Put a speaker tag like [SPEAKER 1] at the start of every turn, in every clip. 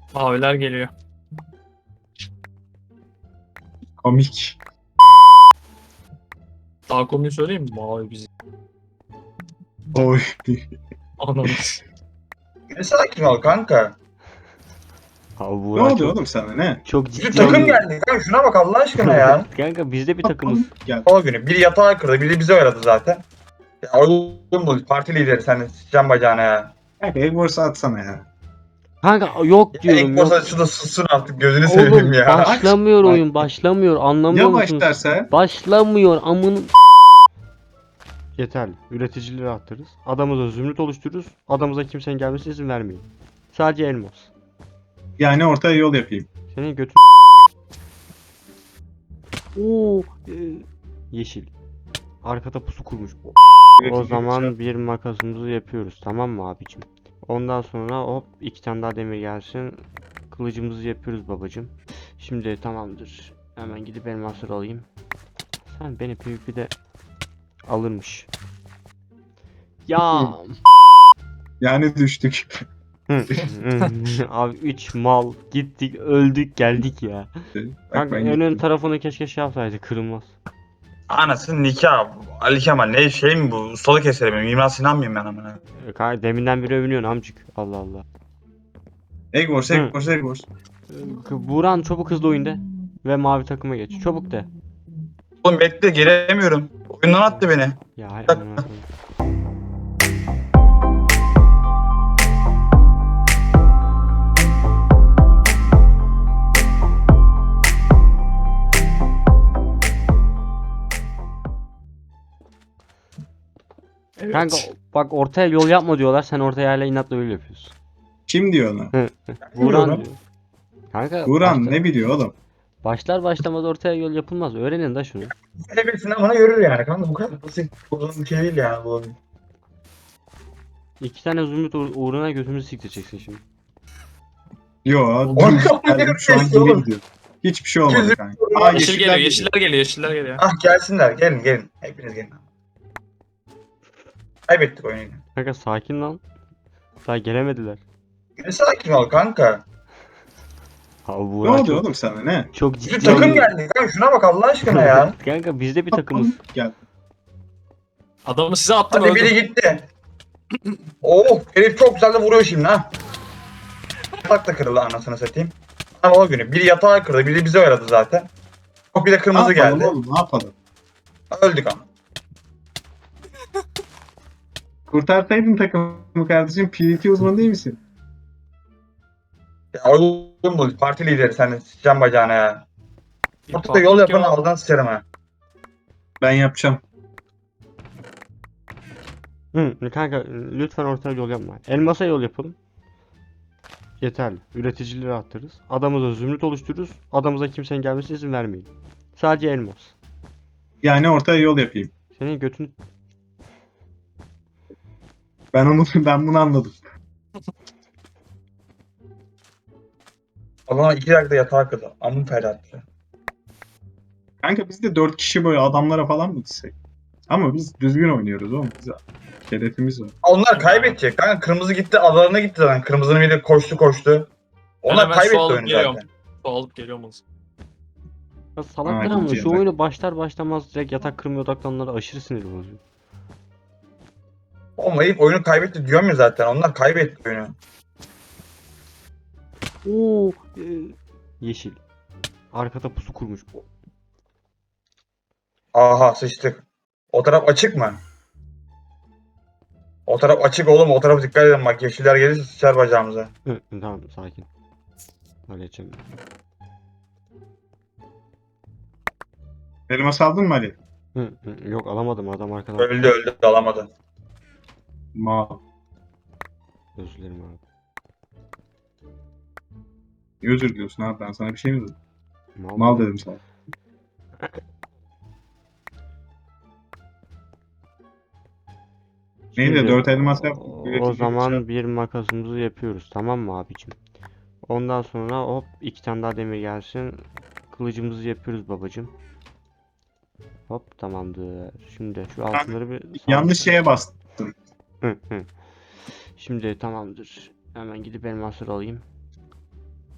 [SPEAKER 1] Maviler geliyor.
[SPEAKER 2] Komik.
[SPEAKER 1] Daha konuyu söyleyeyim mi? Mavi bizi.
[SPEAKER 2] Oy.
[SPEAKER 1] Ananız.
[SPEAKER 3] Ne sakin ol kanka.
[SPEAKER 4] Abi
[SPEAKER 2] Ne
[SPEAKER 4] Buğra
[SPEAKER 2] oluyor
[SPEAKER 4] çok,
[SPEAKER 2] oğlum sana ne?
[SPEAKER 4] çok
[SPEAKER 3] Bir
[SPEAKER 4] ciddi
[SPEAKER 3] takım
[SPEAKER 4] alıyor.
[SPEAKER 3] geldi kanka, şuna bak Allah aşkına ya.
[SPEAKER 4] Kanka biz de bir takımız.
[SPEAKER 2] Gel.
[SPEAKER 3] O günü biri yatağı kırdı, biri bizi oyaladı zaten. Ya oğlum bu parti lideri, sen de sıçacağım bacağına ya.
[SPEAKER 2] Kanka Egbors'u atsana ya.
[SPEAKER 4] Kanka yok
[SPEAKER 3] Ya
[SPEAKER 4] diyorum
[SPEAKER 3] ilk
[SPEAKER 4] yok.
[SPEAKER 3] borsa şurada sussun artık, gözünü
[SPEAKER 4] Oğlum
[SPEAKER 3] seveyim ya.
[SPEAKER 4] başlamıyor
[SPEAKER 2] Bak.
[SPEAKER 4] oyun başlamıyor anlamıyor
[SPEAKER 2] Ya
[SPEAKER 4] musunuz?
[SPEAKER 2] başlarsa?
[SPEAKER 4] Başlamıyor amın. Yeterli. Üreticileri arttırırız. Adamıza zümrüt oluştururuz. Adamıza kimsenin gelmesine izin vermeyin. Sadece elmas.
[SPEAKER 2] Yani ortaya yol yapayım.
[SPEAKER 4] Senin götün. Oo, yeşil. Arkada pusu kurmuş. O
[SPEAKER 2] Üretici
[SPEAKER 4] zaman bir makasımızı yapıyoruz tamam mı abicim? Ondan sonra hop 2 tane daha demir gelsin. Kılıcımızı yapıyoruz babacım. Şimdi tamamdır. Hemen gidip elmasları alayım. Sen beni PvP'de alırmış. Ya
[SPEAKER 2] Yani düştük.
[SPEAKER 4] abi 3 mal gittik öldük geldik ya.
[SPEAKER 2] Bak
[SPEAKER 4] Kanka
[SPEAKER 2] ben
[SPEAKER 4] önün
[SPEAKER 2] gittim.
[SPEAKER 4] tarafını keşke şey yapsaydı kırılmaz.
[SPEAKER 3] Anasının nikah. Ali Kemal ne şey mi bu? Ustalık eseri mi? Mimar Sinan mıyım ben amına?
[SPEAKER 4] Kanka deminden beri övünüyorsun amcık. Allah Allah.
[SPEAKER 2] Egbors, Egbors, Egbors.
[SPEAKER 4] Buran çabuk hızlı oyunda ve mavi takıma geç. Çabuk de.
[SPEAKER 3] Oğlum bekle, gelemiyorum. Oyundan attı beni.
[SPEAKER 4] Ya hay
[SPEAKER 3] Bak.
[SPEAKER 4] amına koyayım.
[SPEAKER 1] Evet.
[SPEAKER 4] Kanka bak ortaya yol yapma diyorlar. Sen ortaya hala inatla öyle yapıyorsun.
[SPEAKER 2] Kim diyor onu?
[SPEAKER 4] Buran
[SPEAKER 3] Bilmiyorum.
[SPEAKER 4] diyor. Kanka
[SPEAKER 2] Buran
[SPEAKER 4] başla-
[SPEAKER 2] ne biliyor oğlum?
[SPEAKER 4] başlar başlamaz ortaya yol yapılmaz. Öğrenin de şunu.
[SPEAKER 3] Hepsini bana görür yani kanka, bu kadar basit. Bu bir şey değil yani bu.
[SPEAKER 4] 2 tane zümrüt uğruna götümüzü siktireceksin şimdi.
[SPEAKER 2] Yo,
[SPEAKER 3] Oğlum,
[SPEAKER 2] geldim şu an
[SPEAKER 3] oğlum.
[SPEAKER 2] geri gidiyor. Hiçbir şey olmadı kanka. Aa,
[SPEAKER 1] Yeşil
[SPEAKER 2] yeşiller
[SPEAKER 1] geliyor, yeşiller geliyor, yeşiller geliyor.
[SPEAKER 3] Ah gelsinler, gelin gelin. Hepiniz gelin. Kaybettik oyunu.
[SPEAKER 4] Kanka sakin lan. Daha gelemediler.
[SPEAKER 3] Ne sakin ol kanka.
[SPEAKER 4] Abi
[SPEAKER 2] Ne
[SPEAKER 4] Buğra
[SPEAKER 2] oluyor
[SPEAKER 4] çok,
[SPEAKER 2] oğlum sana ne?
[SPEAKER 4] çok
[SPEAKER 3] Bir
[SPEAKER 4] ciddi
[SPEAKER 3] takım
[SPEAKER 4] alıyor.
[SPEAKER 3] geldi kanka, şuna bak Allah aşkına ya.
[SPEAKER 4] Kanka biz de bir takımız.
[SPEAKER 2] Gel.
[SPEAKER 1] Adamı size attım
[SPEAKER 3] Hadi
[SPEAKER 1] öldüm.
[SPEAKER 3] biri gitti. Oh, herif çok güzel de vuruyor şimdi ha. Yatak da kırıldı anasını satayım. Ama o günü biri yatağı kırdı, biri bizi oyaladı zaten. Oh, bir de
[SPEAKER 2] Ne
[SPEAKER 3] kırmızı
[SPEAKER 2] yapalım
[SPEAKER 3] geldi.
[SPEAKER 2] oğlum, ne yapalım?
[SPEAKER 3] Öldük ama.
[SPEAKER 2] Kurtarsaydın takımı kardeşim, PvP uzmanı değil misin?
[SPEAKER 3] Ya oğlum bu parti lideri, sen de sıçacağım bacağına ya. Ortada yol yapan aldan sıçarım ha.
[SPEAKER 2] Ben yapacağım.
[SPEAKER 4] Kanka lütfen ortaya yol yapma. Elmasa yol yapalım. Yeterli. Üreticileri arttırırız. Adamıza zümrüt oluştururuz. Adamıza kimsenin gelmesine izin vermeyin. Sadece elmas.
[SPEAKER 2] Yani ortaya yol yapayım.
[SPEAKER 4] Senin götünü...
[SPEAKER 2] Ben bunu anladım.
[SPEAKER 3] Allah'ım 2 dakikada yatağı kırdı. Amın felattı.
[SPEAKER 2] Kanka biz de 4 kişi böyle adamlara falan mı gitsek? Ama biz düzgün oynuyoruz oğlum. Biz şerefimiz var.
[SPEAKER 3] Onlar kaybedecek kanka. Kırmızı gitti, adalarına gitti zaten. Kırmızının biri koştu. Onlar
[SPEAKER 1] hemen su
[SPEAKER 3] kaybetti
[SPEAKER 1] alıp
[SPEAKER 3] oyunu
[SPEAKER 1] geliyorum.
[SPEAKER 3] zaten.
[SPEAKER 1] Su alıp geliyorum o zaman.
[SPEAKER 4] Ya salaklar
[SPEAKER 2] Ha,
[SPEAKER 4] ama
[SPEAKER 2] gidiyor
[SPEAKER 4] şu
[SPEAKER 2] bak.
[SPEAKER 4] oyunu başlar başlamaz direkt yatak kırmaya odaklananlara aşırı sinir bozuyor.
[SPEAKER 3] Olmayıp oyunu kaybetti diyorum ya zaten. Onlar kaybetti oyunu.
[SPEAKER 4] Oo, yeşil. Arkada pusu kurmuş.
[SPEAKER 3] Aha sıçtık. O taraf açık mı? O taraf açık oğlum. O tarafa dikkat edin bak. Yeşiller gelirse sıçar bacağımıza.
[SPEAKER 4] Tamam sakin. Halledeceğim.
[SPEAKER 2] Elmas aldın mı Ali?
[SPEAKER 4] Yok alamadım adam arkadan.
[SPEAKER 3] Öldü alamadı.
[SPEAKER 2] Ma.
[SPEAKER 4] Özür dilerim abi.
[SPEAKER 2] Niye özür diliyorsun abi? Ben sana bir şey mi dedim?
[SPEAKER 4] Mal,
[SPEAKER 2] Mal dedim sana. Neydi?
[SPEAKER 4] Şimdi
[SPEAKER 2] 4 elmas yaptık.
[SPEAKER 4] O
[SPEAKER 2] üretici
[SPEAKER 4] zaman
[SPEAKER 2] bıçağı.
[SPEAKER 4] bir makasımızı yapıyoruz tamam mı abicim? Ondan sonra hop 2 tane daha demir gelsin. Kılıcımızı yapıyoruz babacım. Hop tamamdır. Şimdi şu altınları bir
[SPEAKER 2] Yanlış şeye bastım.
[SPEAKER 4] Şimdi tamamdır. Hemen gidip elmasları alayım.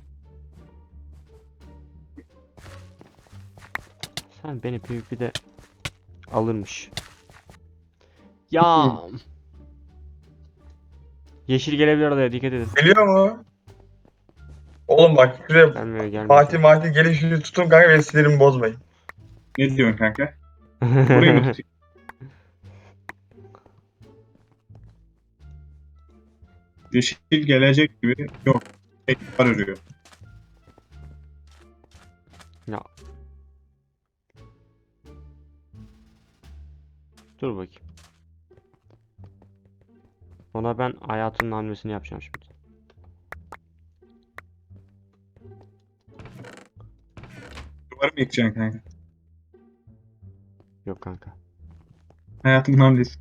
[SPEAKER 4] Sen beni PvP'de alırmış. Ya. Yeşil gelebilir oraya, dikkat edin.
[SPEAKER 3] Geliyor mu? Oğlum bak şuraya
[SPEAKER 4] Gelmiyor, gelmiyor.
[SPEAKER 3] Fatih gelin şunu tutun kanka benim sinirimi bozmayın.
[SPEAKER 2] Ne diyorsun kanka? Burayı mı tutayım? Yeşil gelecek gibi yok. Tekrar örüyor.
[SPEAKER 4] Ya. Dur bakayım. Ona ben hayatının hamlesini yapacağım şimdi.
[SPEAKER 2] Duvarı mı yıkacaksın kanka?
[SPEAKER 4] Yok kanka.
[SPEAKER 2] Hayatımın hamlesi.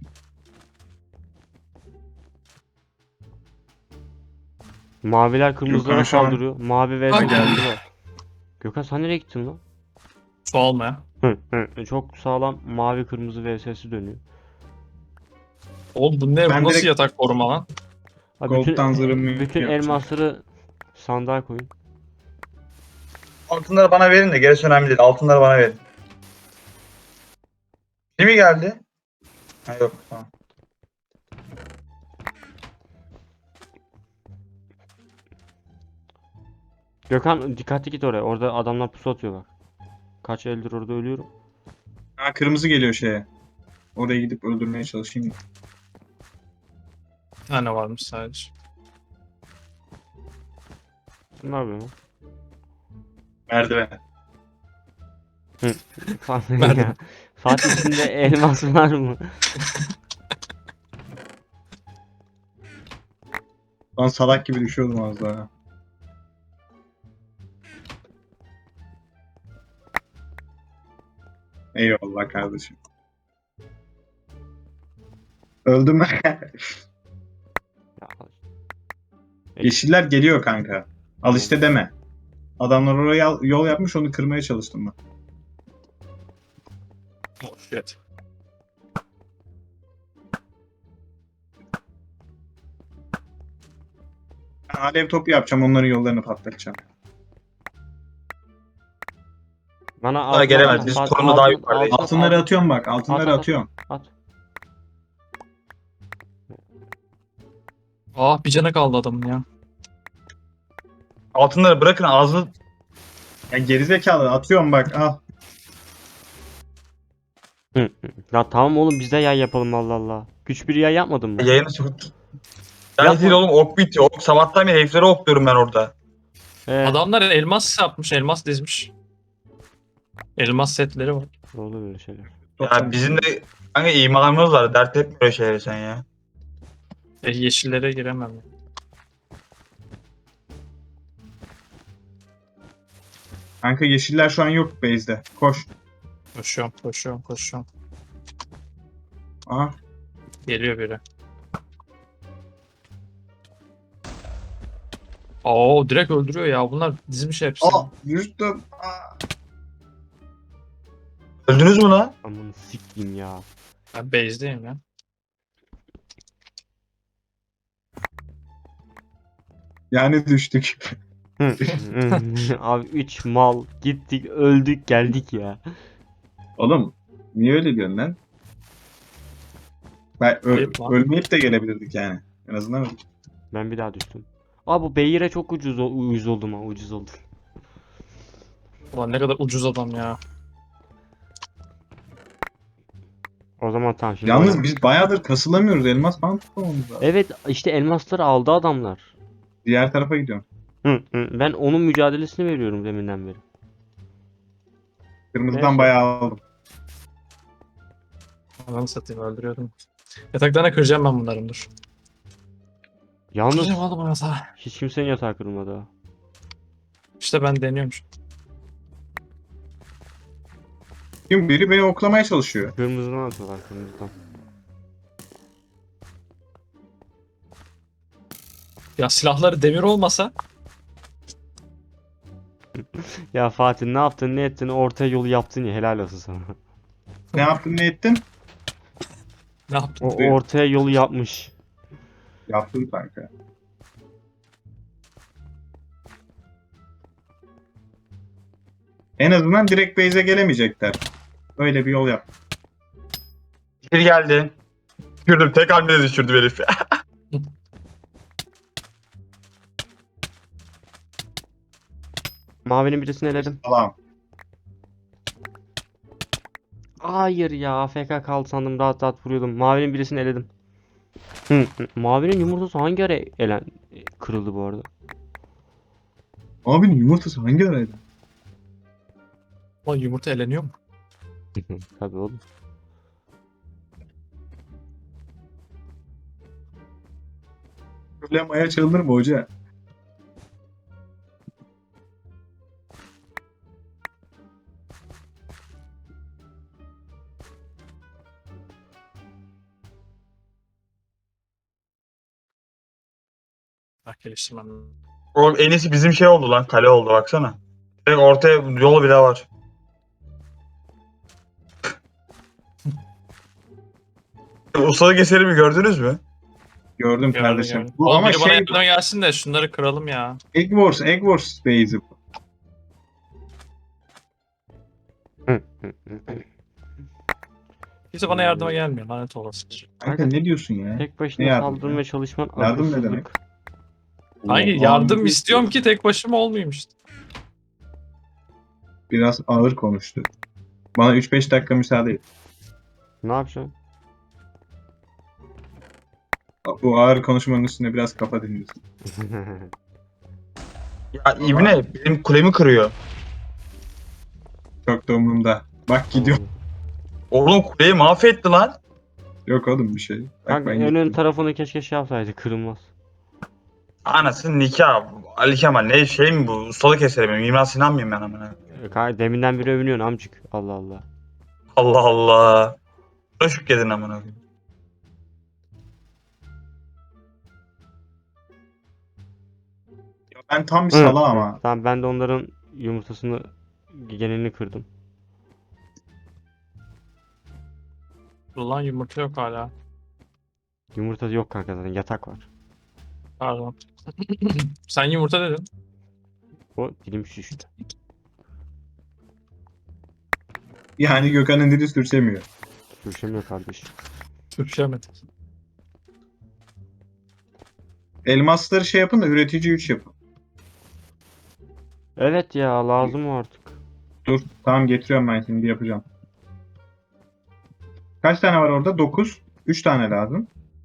[SPEAKER 4] Maviler kırmızılara
[SPEAKER 2] Gökhan şu an-
[SPEAKER 4] saldırıyor. Mavi vs
[SPEAKER 1] Ay.
[SPEAKER 4] kırmızı var. Gökhan sen nereye gittin lan?
[SPEAKER 1] Su almaya.
[SPEAKER 4] Çok sağlam mavi kırmızı vs'si dönüyor.
[SPEAKER 1] Oğlum bu ne?
[SPEAKER 2] Ben
[SPEAKER 1] Bu nasıl
[SPEAKER 2] direkt-
[SPEAKER 1] yatak koruma lan?
[SPEAKER 4] Abi
[SPEAKER 2] Gold'dan zırhımı
[SPEAKER 4] bütün
[SPEAKER 2] yapacağım.
[SPEAKER 4] elmasları sandığa koyun.
[SPEAKER 3] Altınları bana verin de gerisi önemli değil. Altınları bana verin. Biri mi geldi? Ha yok tamam.
[SPEAKER 4] Gökhan dikkatli git oraya. Orada adamlar pusu atıyor bak. Kaç eldir orada ölüyorum.
[SPEAKER 2] Ha, kırmızı geliyor şeye. Oraya gidip öldürmeye çalışayım.
[SPEAKER 1] Bir tane varmış sadece.
[SPEAKER 4] Ne yapıyorsun lan?
[SPEAKER 2] Merdiven.
[SPEAKER 4] Fatih
[SPEAKER 1] Nerede?
[SPEAKER 4] ya. Fatih içinde elmas var mı?
[SPEAKER 2] Lan salak gibi düşüyordum az daha. Eyvallah kardeşim. Öldüm mü?
[SPEAKER 4] Ya,
[SPEAKER 2] Yeşiller geliyor kanka. Al işte deme. Adamlar oraya yol yapmış, onu kırmaya çalıştım ben.
[SPEAKER 1] Oh shit.
[SPEAKER 2] Ben alev topu yapacağım, onların yollarını patlatacağım.
[SPEAKER 4] bana
[SPEAKER 3] Bunlara
[SPEAKER 4] altına
[SPEAKER 3] gelemez.
[SPEAKER 4] at,
[SPEAKER 3] Biz
[SPEAKER 4] Fatih,
[SPEAKER 3] torunu daha
[SPEAKER 4] altına-
[SPEAKER 3] yukarıdayız.
[SPEAKER 4] altına-
[SPEAKER 2] Altınları atıyorum bak, altınları
[SPEAKER 4] At, at, at.
[SPEAKER 2] atıyorum.
[SPEAKER 4] At.
[SPEAKER 1] Ah bir canı kaldı adamın ya.
[SPEAKER 3] Altınları bırakın ağzını.
[SPEAKER 2] Ya gerizekalı atıyorum bak, al.
[SPEAKER 4] Ya tamam oğlum biz de yay yapalım Allah Allah. Güç bir yay yapmadın mı?
[SPEAKER 3] Yayını tut. Yani
[SPEAKER 4] Yapma.
[SPEAKER 3] değil oğlum ok bitiyor. Ok sabahtan beri heriflere ok diyorum ben orada.
[SPEAKER 1] Adamlar elmas yapmış, elmas dizmiş. Elmas setleri var.
[SPEAKER 4] Olur böyle şeyler.
[SPEAKER 3] Ya bizim de kanka imanımız var. Dert etme böyle şeyleri sen ya.
[SPEAKER 1] Yeşillere giremem.
[SPEAKER 2] Kanka yeşiller şu an yok base'de. Koş.
[SPEAKER 1] Koşuyorum, koşuyorum, koşuyorum.
[SPEAKER 2] Aha.
[SPEAKER 1] Geliyor biri. Oo direkt öldürüyor ya. Bunlar dizmiş hepsini.
[SPEAKER 2] Düştüm. Aa.
[SPEAKER 3] Öldünüz mü lan?
[SPEAKER 4] Aman sikeyim ya.
[SPEAKER 1] Ben base'deyim ya.
[SPEAKER 2] Yani düştük.
[SPEAKER 4] Abi 3 mal gittik öldük geldik ya.
[SPEAKER 2] Oğlum niye öyle diyorsun lan? Ben
[SPEAKER 1] Ayıp lan.
[SPEAKER 2] ölmeyip de gelebilirdik yani. En azından öyle.
[SPEAKER 4] Ben bir daha düştüm. Abi bu Beyir'e çok ucuz oldum ha, ucuz oldum.
[SPEAKER 1] Ulan ne kadar ucuz adam ya.
[SPEAKER 4] O zaman tamam şimdi
[SPEAKER 2] Yalnız
[SPEAKER 4] oynayalım.
[SPEAKER 2] biz bayağıdır kasılamıyoruz. Elmas falan tutmamamız lazım.
[SPEAKER 4] Evet işte elmasları aldı adamlar.
[SPEAKER 2] Diğer tarafa gidiyorum.
[SPEAKER 4] Ben onun mücadelesini veriyorum deminden beri.
[SPEAKER 2] Kırmızıdan
[SPEAKER 4] Neyse.
[SPEAKER 2] bayağı aldım.
[SPEAKER 1] Ananı satayım öldürüyordum. Yataklarına kıracağım ben bunların dur.
[SPEAKER 4] Yalnız
[SPEAKER 1] Kıracağım oğlum yatağı.
[SPEAKER 4] hiç kimsenin yatağı kırılmadı ha.
[SPEAKER 1] İşte ben deniyorum şu.
[SPEAKER 2] Şimdi biri beni oklamaya çalışıyor.
[SPEAKER 4] Kırmızıdan atıyorlar kırmızıdan.
[SPEAKER 1] Ya silahları demir olmasa
[SPEAKER 4] Ya Fatih ne yaptın ne ettin ortaya yolu yaptın ya helal olsun sana.
[SPEAKER 2] Ne yaptın ne ettin?
[SPEAKER 1] ne yaptın?
[SPEAKER 4] O ortaya yolu yapmış.
[SPEAKER 2] Yaptım kanka. En azından direkt base'e gelemeyecekler. Öyle bir yol yap.
[SPEAKER 3] Bir geldi. Düşürdüm. Tek hamlede düşürdüm herifi.
[SPEAKER 4] Mavinin birisini eledim.
[SPEAKER 2] Tamam.
[SPEAKER 4] Hayır ya, AFK kaldı sandım, rahat rahat vuruyordum. Mavinin birisini eledim. Mavinin yumurtası hangi ara kırıldı bu arada?
[SPEAKER 2] Abinin yumurtası hangi araydı?
[SPEAKER 1] O yumurta eleniyor mu?
[SPEAKER 4] Tabii oğlum.
[SPEAKER 2] Böyle maya çalınır mı hoca?
[SPEAKER 1] Bak geliştirmem.
[SPEAKER 3] Oğlum en iyisi bizim şey oldu lan. Kale oldu baksana. Direkt ortaya yol bile var. Ustalık eserimi gördünüz mü?
[SPEAKER 2] Gördüm
[SPEAKER 1] Gördüm,
[SPEAKER 2] kardeşim.
[SPEAKER 1] gördüm.
[SPEAKER 2] Bu
[SPEAKER 1] Oğlum
[SPEAKER 2] ama
[SPEAKER 1] biri bana
[SPEAKER 2] şey
[SPEAKER 1] yardıma gelsin de şunları kıralım ya.
[SPEAKER 2] Egg Wars base'i bu.
[SPEAKER 1] Kimse bana yardıma gelmiyor. Lanet olası.
[SPEAKER 2] Kanka ne diyorsun ya?
[SPEAKER 4] Tek
[SPEAKER 2] Ne
[SPEAKER 4] başına
[SPEAKER 2] yardım
[SPEAKER 4] saldırmaya
[SPEAKER 2] ya?
[SPEAKER 4] çalışman
[SPEAKER 2] Yardım ne
[SPEAKER 4] akılsızlık.
[SPEAKER 2] demek?
[SPEAKER 1] Hangi
[SPEAKER 2] Oğlum,
[SPEAKER 1] yardım
[SPEAKER 2] abi,
[SPEAKER 1] istiyorum ki tek başıma olmayayım işte.
[SPEAKER 2] Biraz ağır konuştu. Bana 3-5 dakika müsaade et.
[SPEAKER 4] Ne yapacaksın?
[SPEAKER 2] Bu ağır konuşmanın üstüne biraz kafa dinliyorsun.
[SPEAKER 3] Ya İbne benim kulemi kırıyor.
[SPEAKER 2] Çok da umurumda. Bak gidiyor.
[SPEAKER 3] Oğlum kuleyi mahvetti lan.
[SPEAKER 2] Yok oğlum bir şey. Bak
[SPEAKER 4] Kanka
[SPEAKER 2] ben
[SPEAKER 4] en ön
[SPEAKER 2] gittim.
[SPEAKER 4] tarafını keşke şey yapsaydı, kırılmaz.
[SPEAKER 3] Anasının nikah. Ali Kemal ne şey mi bu? Ustalık eseri mi? Mimar Sinan mıyım ben amına?
[SPEAKER 4] Kanka deminden beri övünüyorsun amcık. Allah Allah.
[SPEAKER 3] Allah Allah. Buna şükredin amına koyayım.
[SPEAKER 2] Ben tam bir sala ama.
[SPEAKER 4] Tamam, ben de onların yumurtasını, genelini kırdım.
[SPEAKER 1] Ulan yumurta yok hala.
[SPEAKER 4] Yumurta yok kanka, zaten yatak var.
[SPEAKER 1] Pardon. Sen yumurta dedin.
[SPEAKER 4] O dilim şişti.
[SPEAKER 2] Yani Gökhan'ın dili sürçemiyor.
[SPEAKER 4] Görüşemiyor kardeş.
[SPEAKER 1] Sürüşemedim.
[SPEAKER 2] Elmasları şey yapın da üretici 3 yapın.
[SPEAKER 4] Evet ya, lazım o artık.
[SPEAKER 2] Dur tamam getiriyorum ben şimdi yapacağım. Kaç tane var orada? 9. 3 tane lazım.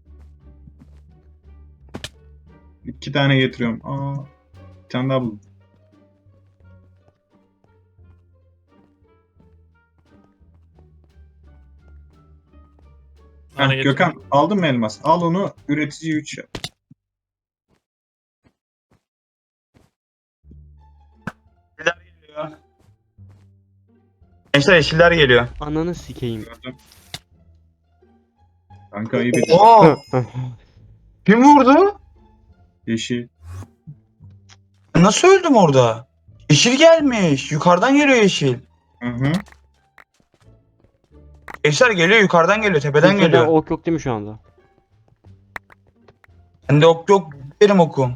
[SPEAKER 2] 2 tane getiriyorum. Bir tane daha buldum.
[SPEAKER 1] Bana
[SPEAKER 2] Heh, Gökhan aldın mı elmas? Al onu üretici 3 yap.
[SPEAKER 3] Yeşiller geliyor. Gençler yeşiller geliyor.
[SPEAKER 4] Ananı sikeyim.
[SPEAKER 2] Gördüm. Kanka ayıp ediyor.
[SPEAKER 3] Oha! Kim vurdu?
[SPEAKER 2] Yeşil.
[SPEAKER 3] Nasıl öldüm orada? Yeşil gelmiş. Yukarıdan geliyor yeşil.
[SPEAKER 2] Hı.
[SPEAKER 3] Gençler geliyor yukarıdan geliyor. Tepeden
[SPEAKER 4] Kimsede
[SPEAKER 3] geliyor.
[SPEAKER 4] ok yok değil mi şu anda?
[SPEAKER 3] Bende ok yok. Benim okum.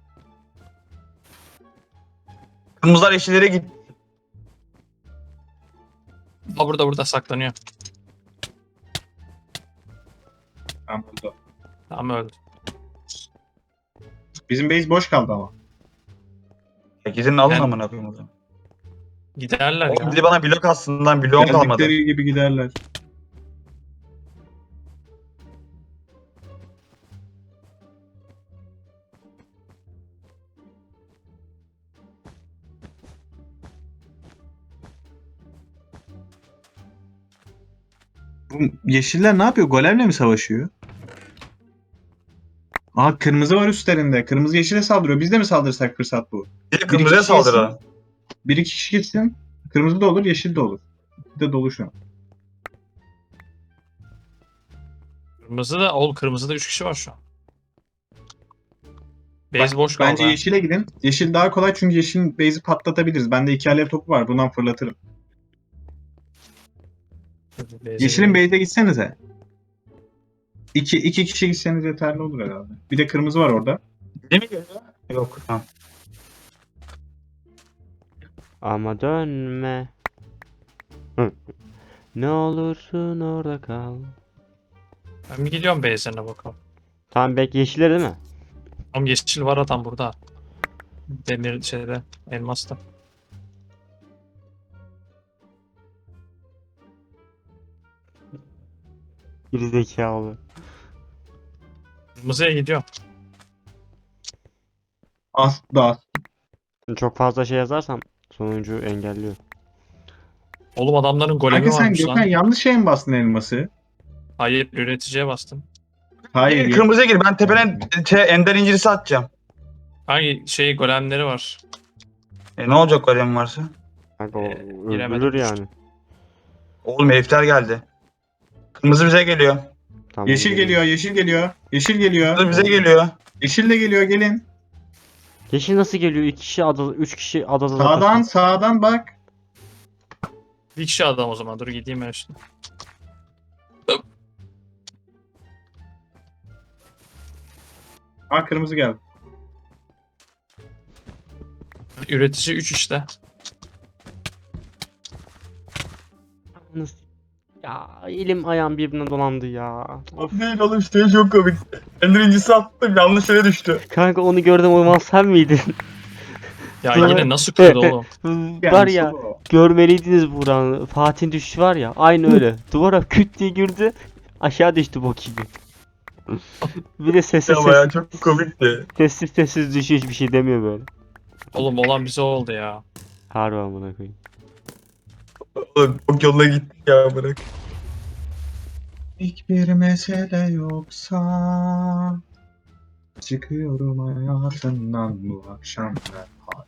[SPEAKER 3] Kırmızılar yeşillere git.
[SPEAKER 1] burada saklanıyor.
[SPEAKER 2] Tamam burada.
[SPEAKER 1] Tamam öldü.
[SPEAKER 2] Bizim base boş kaldı ama.
[SPEAKER 3] Gidin alın
[SPEAKER 1] Yani-
[SPEAKER 3] amına koyayım o zaman.
[SPEAKER 1] Giderler
[SPEAKER 3] Oğlum
[SPEAKER 1] ya.
[SPEAKER 3] biri bana blok aslında bloğum kalmadı.
[SPEAKER 2] Geldikleri gibi giderler. Bu yeşiller ne yapıyor? Golemle mi savaşıyor? Aa kırmızı var üstlerinde. Kırmızı yeşile saldırıyor. Biz de mi saldırsak fırsat bu?
[SPEAKER 3] Bir de kırmızıya
[SPEAKER 2] kişi yesin.
[SPEAKER 3] saldırı.
[SPEAKER 2] Bir iki kişi gitsin. Kırmızı da olur, yeşil de olur. Bir de dolu şu an.
[SPEAKER 1] Kırmızıda 3 kişi var şu an. Base boş kaldı.
[SPEAKER 2] Bence
[SPEAKER 1] ha.
[SPEAKER 2] yeşile gidin. Yeşil daha kolay çünkü yeşilin base'i patlatabiliriz. Bende 2 alev topu var. Bundan fırlatırım.
[SPEAKER 1] Base'e
[SPEAKER 2] Yeşilin
[SPEAKER 1] gidelim.
[SPEAKER 2] base'e gitsenize. İki kişi gitseniz yeterli olur herhalde. Bir de kırmızı var orada.
[SPEAKER 3] Değil mi geliyor? Yok. Tamam.
[SPEAKER 4] Ama dönme. Hı. Ne olursun orada kal.
[SPEAKER 1] Ben bir gidiyorum base'lerine bakalım.
[SPEAKER 4] Tamam bek yeşiller değil mi?
[SPEAKER 1] Ama yeşil var adam burada. Demir şeyde, elmasta.
[SPEAKER 4] Gerizekalı.
[SPEAKER 1] Kırmızıya gidiyor.
[SPEAKER 2] Asla.
[SPEAKER 4] Çok fazla şey yazarsam sonuncu engelliyor.
[SPEAKER 1] Oğlum adamların golemi
[SPEAKER 2] Kanka sen
[SPEAKER 1] varmış
[SPEAKER 2] Gökhan
[SPEAKER 1] lan.
[SPEAKER 2] yanlış şeye mi bastın elması?
[SPEAKER 1] Hayır, üreticiye bastım.
[SPEAKER 2] Hayır.
[SPEAKER 3] Gir kırmızıya gir. Ben tepeden ender incirisi atacağım.
[SPEAKER 1] Hangi şey golemleri var?
[SPEAKER 3] Ne olacak golem varsa?
[SPEAKER 4] Kanka o
[SPEAKER 1] giremedim,
[SPEAKER 4] öldürür
[SPEAKER 1] düştüm.
[SPEAKER 4] yani.
[SPEAKER 3] Oğlum herifler geldi. Kırmızı bize geliyor.
[SPEAKER 4] Tamam,
[SPEAKER 2] Yeşil
[SPEAKER 4] geliyorum.
[SPEAKER 2] geliyor, yeşil geliyor. Yeşil geliyor.
[SPEAKER 3] Kırmızı bize geliyor.
[SPEAKER 2] Yeşil de geliyor, gelin.
[SPEAKER 4] Yeşil nasıl geliyor? 2 kişi adada, 3 kişi adada
[SPEAKER 2] Sağdan,
[SPEAKER 4] zaten.
[SPEAKER 2] sağdan bak.
[SPEAKER 1] Bir kişi adam o zaman. Dur gideyim ben şimdi.
[SPEAKER 2] Ha kırmızı geldi.
[SPEAKER 1] Üretici 3 işte.
[SPEAKER 4] Ya elim ayağım birbirine dolandı ya. Of.
[SPEAKER 3] Değil oğlum işte çok komik. Ender incisi attım yanlış yere düştü.
[SPEAKER 4] Kanka onu gördüm, o zaman sen miydin?
[SPEAKER 1] Ya
[SPEAKER 4] Sonra-
[SPEAKER 1] yine nasıl kırdı oğlum?
[SPEAKER 4] Var ya,
[SPEAKER 2] solo.
[SPEAKER 4] görmeliydiniz Burak'ın. Fatih'in düşüşü var ya, aynı öyle. Duvara küt diye girdi. Aşağı düştü bok gibi. Bir de sessiz
[SPEAKER 3] Ya bayağı
[SPEAKER 4] sessiz,
[SPEAKER 3] çok komikti.
[SPEAKER 4] sessiz düşüyor, hiçbir şey demiyor böyle.
[SPEAKER 1] Oğlum olan bize oldu ya.
[SPEAKER 4] Harbi amına koyayım.
[SPEAKER 3] Oğlum çok yoluna gittik ya bırak.
[SPEAKER 2] Hiçbir mesele yoksa çıkıyorum hayatından bu akşam ben.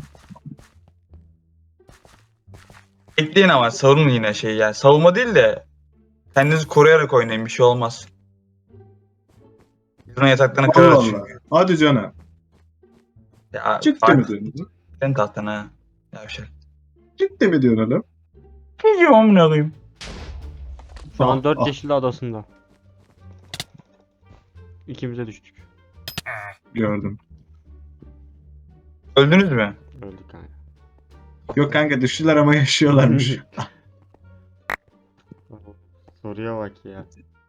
[SPEAKER 3] Bekleyin ama savunun yine şey yani. Savunma değil de kendinizi koruyarak oynayın bir şey olmaz. Biz onun yataklarını
[SPEAKER 2] Allah
[SPEAKER 3] kırarız
[SPEAKER 2] Allah.
[SPEAKER 3] çünkü.
[SPEAKER 2] Hadi canım.
[SPEAKER 3] Ya
[SPEAKER 2] Ciddi mi diyorsun?
[SPEAKER 3] Sen tahtına. Ya bir şey.
[SPEAKER 2] Ciddi mi diyorsun oğlum?
[SPEAKER 3] Biliyorum amına koyayım.
[SPEAKER 4] Şu an
[SPEAKER 2] Ah,
[SPEAKER 4] 4
[SPEAKER 2] ah.
[SPEAKER 4] yeşilli adasında. İkimize düştük.
[SPEAKER 2] Gördüm.
[SPEAKER 3] Öldünüz mü?
[SPEAKER 4] Öldük kanka.
[SPEAKER 2] Yok kanka düştüler ama yaşıyorlarmış.
[SPEAKER 4] Soruya bak ya.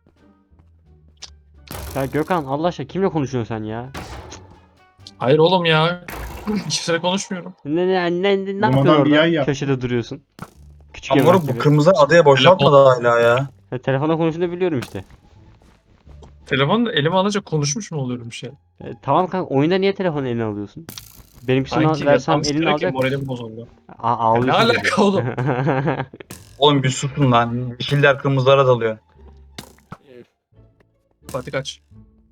[SPEAKER 4] Ya Gökhan, Allah aşkına kimle konuşuyorsun sen ya?
[SPEAKER 1] Hayır oğlum ya. Kimseyle konuşmuyorum.
[SPEAKER 4] Ne
[SPEAKER 2] Oğlum adam
[SPEAKER 4] yapıyorsun
[SPEAKER 2] bir
[SPEAKER 4] orada?
[SPEAKER 2] yay yap.
[SPEAKER 4] Köşede duruyorsun. Küçük
[SPEAKER 3] Ama
[SPEAKER 4] yemek
[SPEAKER 3] moruk bu
[SPEAKER 4] gibi.
[SPEAKER 3] kırmızı adaya boşaltmadı hala ya.
[SPEAKER 4] Telefonla konuştuğunu biliyorum işte.
[SPEAKER 1] Telefonu da elime alınca konuşmuş mu oluyorum bir şey?
[SPEAKER 4] Tamam kanka, oyunda niye telefonu eline alıyorsun? Benimkisini
[SPEAKER 1] Sanki
[SPEAKER 4] versem
[SPEAKER 1] yatağım
[SPEAKER 4] elini
[SPEAKER 1] sıkıyor ki
[SPEAKER 4] alacak mısın?
[SPEAKER 1] moralim bozuldu.
[SPEAKER 4] Ağlıyorsun.
[SPEAKER 1] Ne alaka oğlum?
[SPEAKER 3] Oğlum bir susun lan. Yeşiller kırmızılara dalıyor.
[SPEAKER 1] Fatih kaç.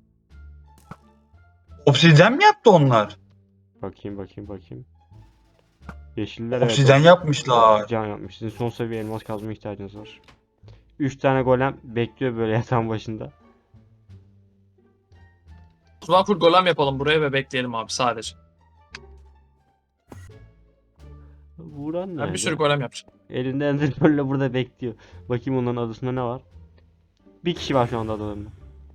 [SPEAKER 3] Obsidyen mi yaptı onlar?
[SPEAKER 4] Bakayım. Yeşiller
[SPEAKER 3] Obsidyen yapmışlar.
[SPEAKER 4] Obsidyen yapmış. Sizin son seviye elmas kazma ihtiyacınız var. 3 tane golem bekliyor böyle yatağın başında.
[SPEAKER 1] O zaman full golem yapalım buraya ve bekleyelim abi sadece.
[SPEAKER 4] Vuran
[SPEAKER 1] Ben
[SPEAKER 4] nerede?
[SPEAKER 1] bir sürü golem yapacağım.
[SPEAKER 4] Elinde enderpearl'le burada bekliyor. Bakayım onların adasında ne var. Bir kişi var şu anda adalarında.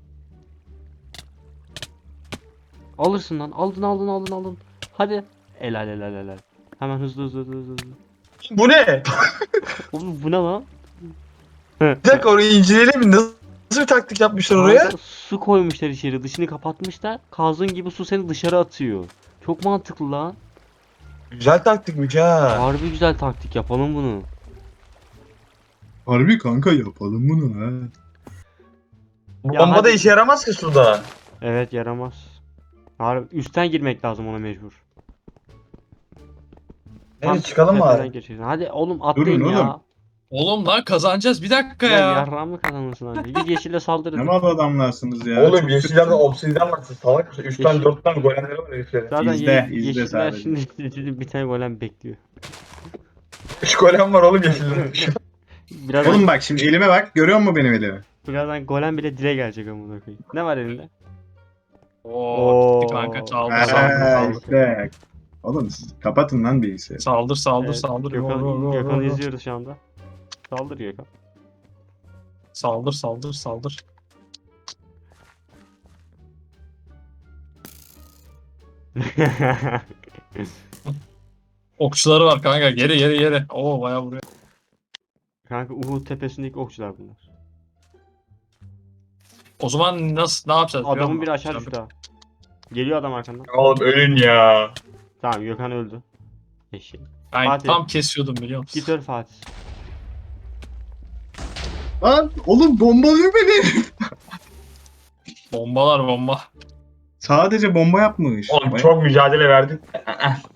[SPEAKER 4] Alırsın lan. Aldın. Hadi. Helal. Hemen hızlı.
[SPEAKER 3] Bu ne?
[SPEAKER 4] Oğlum bu ne lan?
[SPEAKER 3] Bir dakika orayı inceleyelim mi? Nasıl bir taktik yapmışlar oraya?
[SPEAKER 4] Kanka, su koymuşlar içeri. Dışını kapatmışlar. Kazın gibi su seni dışarı atıyor. Çok mantıklı lan.
[SPEAKER 3] Güzel taktikmiş ha.
[SPEAKER 4] Harbi güzel taktik, yapalım bunu.
[SPEAKER 2] Harbi kanka yapalım bunu ha.
[SPEAKER 3] Bu
[SPEAKER 4] Ya
[SPEAKER 3] bomba da
[SPEAKER 4] hadi.
[SPEAKER 3] işe yaramaz ki suda.
[SPEAKER 4] Evet, yaramaz. Harbi üstten girmek lazım ona mecbur.
[SPEAKER 3] Neyse çıkalım mı
[SPEAKER 4] tepeden
[SPEAKER 3] abi?
[SPEAKER 4] geçeceksin. Hadi oğlum atlayın
[SPEAKER 2] Durun
[SPEAKER 4] ya.
[SPEAKER 2] oğlum.
[SPEAKER 1] Oğlum lan kazanacağız bir dakika
[SPEAKER 4] Ya
[SPEAKER 1] ya.
[SPEAKER 4] yarrağı mı kazanırsın abi? Git yeşile
[SPEAKER 2] Ne
[SPEAKER 4] saldırın.
[SPEAKER 2] mal adamlarsınız ya.
[SPEAKER 3] Oğlum
[SPEAKER 2] Çok
[SPEAKER 3] yeşillerde
[SPEAKER 2] kötü.
[SPEAKER 3] obsidyen var. Siz salak mısın? 3 tane
[SPEAKER 4] Yeşil-
[SPEAKER 3] 4 tane golemleri var heriflerin.
[SPEAKER 4] Zaten
[SPEAKER 2] İzle
[SPEAKER 4] yeşiller
[SPEAKER 2] sadece.
[SPEAKER 4] şimdi bir tane golem bekliyor.
[SPEAKER 3] 3 golem var oğlum yeşillerin.
[SPEAKER 4] Birazdan,
[SPEAKER 2] Oğlum bak şimdi elime bak. Görüyor musun benim elimi?
[SPEAKER 4] birazdan golem bile dile gelecek amına koyayım. Ne var elinde?
[SPEAKER 1] Oo, gitti kanka çaldı
[SPEAKER 2] Ha,
[SPEAKER 1] saldır.
[SPEAKER 2] işte. Oğlum siz kapatın lan bilgisayarı.
[SPEAKER 1] Saldır.
[SPEAKER 4] Evet,
[SPEAKER 1] Saldır.
[SPEAKER 4] Gökhan'ı izliyoruz şu anda. Saldır Gökhan.
[SPEAKER 1] Saldır. Okçuları var kanka. Geri geri geri. Oo bayağı vuruyor.
[SPEAKER 4] Kanka Uhud tepesindeki okçular bunlar.
[SPEAKER 1] O zaman ne yapacağız? biliyor
[SPEAKER 4] Adamın
[SPEAKER 1] musun?
[SPEAKER 4] biri aşağı düştü ha. Geliyor adam arkandan.
[SPEAKER 3] Oğlum ölün ya.
[SPEAKER 4] Tamam Gökhan öldü. Eşeği.
[SPEAKER 1] Ben
[SPEAKER 4] Fatih.
[SPEAKER 1] tam kesiyordum biliyor musun?
[SPEAKER 4] Git öl Fatih.
[SPEAKER 2] Lan oğlum bombalıyor beni.
[SPEAKER 1] Bombalar bomba.
[SPEAKER 2] Sadece bomba yapmış.
[SPEAKER 3] Oğlum
[SPEAKER 2] Vay-
[SPEAKER 3] çok mücadele verdim.